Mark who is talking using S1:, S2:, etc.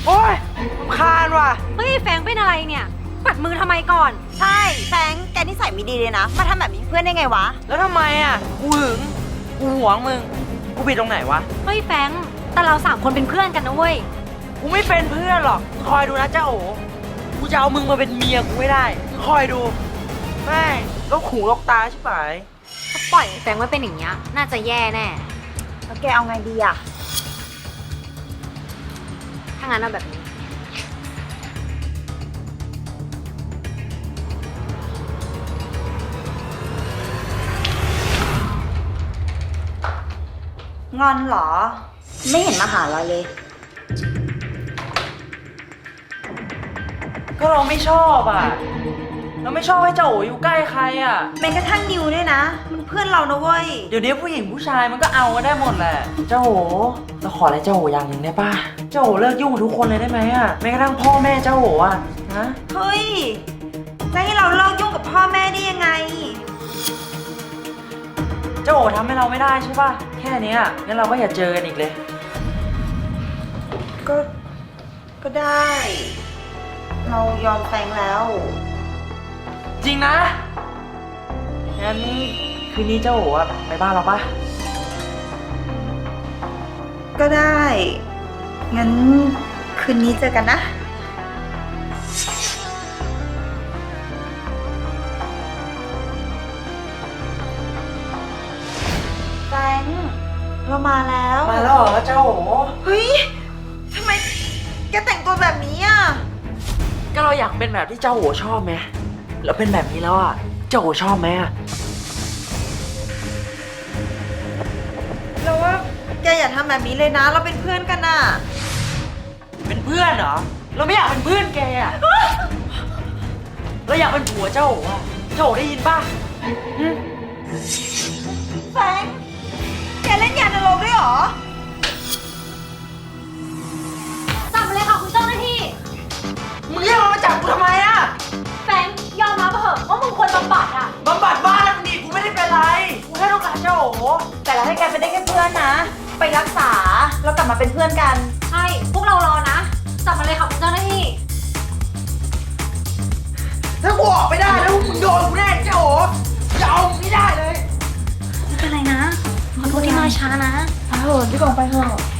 S1: โอ๊ยรำคาญว่ะ
S2: เฮ้ยแฟงเป็นอะไรเนี่ยปัดมือทำไมก่อน
S3: ใช่แฟงแกนิสัยไม่ดีเลยนะมาทำแบบนี้เพื่อนได้ไงวะ
S1: แล้วทำไมอ่ะกูหึงกูหวงมึงกูผิดตรงไหนวะ
S2: เฮ้ยแฟงแต่เรา3 คนเป็นเพื่อนกันนะเว้ย
S1: กูไม่เป็นเพื่อนหรอกคอยดูนะเจ้าโอกูจะเอามึงมาเป็นเมียกูไม่ได้คอยดูแม่งก็ขู่ลกตาใช่ไหม
S2: ถ้าปล่อยแฟงไว้เป็นอย่างเงี้ยน่าจะแย่แน่
S3: แล้วแกเอาไงดีอะ
S2: ถ้างั้นเอาแบบนี้
S3: งอนเหรอ ไม่เห็นมาหาเราเลย
S1: ก็เราไม่ชอบอ่ะเราไม่ชอบให้เจ้าโออยู่ใกล้ใครอ่ะ
S3: แม้กระทั่งนิวด้วยนะ มันเพื่อนเรานะเว้ย
S1: เดี๋ยวนี้ผู้หญิงผู้ชายมันก็เอากันได้หมดแหละเจ้าโอเราขออะไรเจ้าโออย่างหนึ่งได้ป่ะเจ้าโอเลิกยุ่งกับทุกคนเลยได้ไหมอ่ะแม้กระทั่งพ่อแม่เจ้าโออ่ะนะ
S3: เฮ้ยจะให้เราเลิกยุ่งกับพ่อแม่ได้ยังไง
S1: เจ้าโอทำให้เราไม่ได้ใช่ป่ะแค่เนี้ยงั้นเราก็อย่าเจอกันอีกเลย
S3: ก็ได้ เรายอมแฟงแล้ว
S1: จริงนะงั้นคืนนี้เจ้าโออะไปบ้านเราป่ะ
S3: ก็ได้ งั้นคืนนี้เจอกันนะ แฟงเรามาแล้ว
S1: มาแล้วเหรอเจ้าโอ
S3: เฮ้ย ทำไมแกแต่งตัวแบบนี้อ่ะ
S1: ก็เราอยากเป็นแบบที่เจ้าโอชอบไหมแล้วเป็นแบบนี้แล้วอ่ะเจ้าโอชอบไหมอ่ะ
S3: เราว่าแกอย่าทำแบบนี้เลยนะ เราเป็นเพื่อนกันน่ะ
S1: เป็นเพื่อนเหรอเราไม่อยากเป็นเพื่อนแกอ่ะ เราอยากเป็นผัวเจ้าโออ่ะเจ้าโอได้ยินป่ะหึ
S3: แฟงแกเล่นยานรกด้วยเหรอ
S2: จับมาเลยค่ะคุณเจ้าหน้าที่
S1: มึงเรียกมันมาจับกูทำไมอ่ะ
S2: แฟงยอมรับเถอะว่ามึงควรบำบัดอ่ะ
S1: บำบัดบ้านมึงดิกูไม่ได้เป็นไรกูแค่ต้องการเจ้าโอ
S3: แต่เราให้แกเป็นได้แค่เพื่อนนะ ไปรักษาแล้วกลับมาเป็นเพื่อนกัน
S2: ใช่ พวกเรารอนะ จับมาเลยค่ะคุณเจ้าหน้าที่
S1: ถ้ากูออกไม่ได้แล้วมึงโดนกูแน่เจ้าโอจะเอามึงไม่ได้เลย
S2: ไม่เป็นไรนะ ขอโทษที่มาช้านะ
S3: ไปเถอะพี่กองไปเถอะ